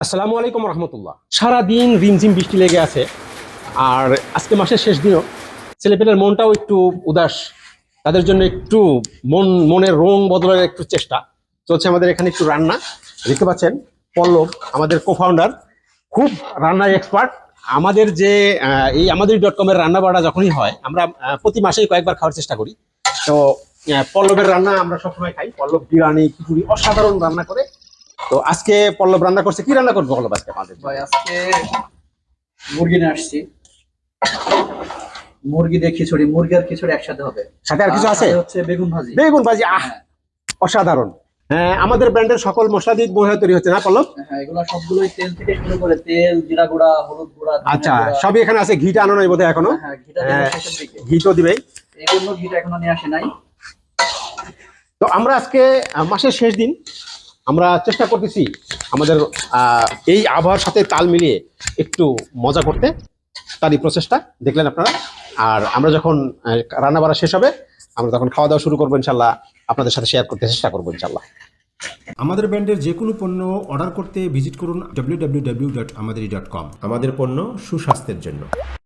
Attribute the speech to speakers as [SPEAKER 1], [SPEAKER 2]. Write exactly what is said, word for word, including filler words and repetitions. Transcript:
[SPEAKER 1] আসসালামু আলাইকুম রহমতুল্লাহ। সারাদিন রিমঝিম বৃষ্টি লেগে আছে, আর আজকে মাসের শেষ দিনও ছেলেপেলের মনটাও একটু উদাস। তাদের জন্য একটু মন মনের রং বদলের একটু চেষ্টা চলছে। আমাদের এখানে একটু রান্না দেখতে পাচ্ছেন। পল্লব আমাদের কো-ফাউন্ডার, খুব রান্নার এক্সপার্ট। আমাদের যে আহ, এই আমাদের ডট কমের রান্না বাড়া যখনই হয়, আমরা আহ, প্রতি মাসেই কয়েকবার খাওয়ার চেষ্টা করি। তো আহ, পল্লবের রান্না আমরা সবসময় খাই। পল্লব বিরিয়ানি খিচুড়ি অসাধারণ রান্না করে। তো আজকে পল্লব রান্না করছে। কি রান্না করবো পল্লব আজকে আমাদের?
[SPEAKER 2] ভাই আজকে মুরগি নিয়ে আসছি। মুরগি দিয়ে খিচুড়ি, মুরগি আর খিচুড়ি একসাথে হবে।
[SPEAKER 1] সাথে আর কিছু আছে?
[SPEAKER 2] সাথে হচ্ছে বেগুন ভাজি।
[SPEAKER 1] বেগুন ভাজি, আহ
[SPEAKER 2] হ্যাঁ,
[SPEAKER 1] অসাধারণ। হ্যাঁ, আমাদের ব্র্যান্ডের সকল মশলা দিয়ে বোধহয় তৈরি হচ্ছে না পল্লব?
[SPEAKER 2] হ্যাঁ, এগুলো সবগুলোই তেল থেকে শুরু করে তেল, জিরা গুঁড়া, হলুদ গুঁড়া, ধনিয়া
[SPEAKER 1] আচ্ছা,
[SPEAKER 2] গুঁড়া।
[SPEAKER 1] সবই এখানে আছে। ঘিটা আনো নাই বোধহয় এখনো?
[SPEAKER 2] হ্যাঁ, ঘিটা দেবো
[SPEAKER 1] হ্যাঁ,
[SPEAKER 2] শেষের দিকে।
[SPEAKER 1] ঘি তো দিবেই।
[SPEAKER 2] এই জন্য ঘিটা এখনো নিয়ে আসে নাই।
[SPEAKER 1] তো আমরা আজকে আহ, মাসের শেষ দিন, আমরা চেষ্টা করতেছি আমাদের আহ, এই আবহাওয়ার সাথে তাল মিলিয়ে একটু মজা করতে। তারই প্রচেষ্টা দেখলেন আপনারা। আর আমরা যখন রান্না বাড়া শেষ হবে, আমরা তখন খাওয়া দাওয়া শুরু করবো ইনশাল্লাহ। আপনাদের সাথে শেয়ার করতে চেষ্টা করবো ইনশাল্লাহ।
[SPEAKER 3] আমাদের ব্র্যান্ডের যে কোনো পণ্য অর্ডার করতে ভিজিট করুন ডাব্লিউ ডাব্লিউ ডাব্লিউ ডট আমাদেরি ডট কম। আমাদের পণ্য সুস্বাস্থ্যের জন্য।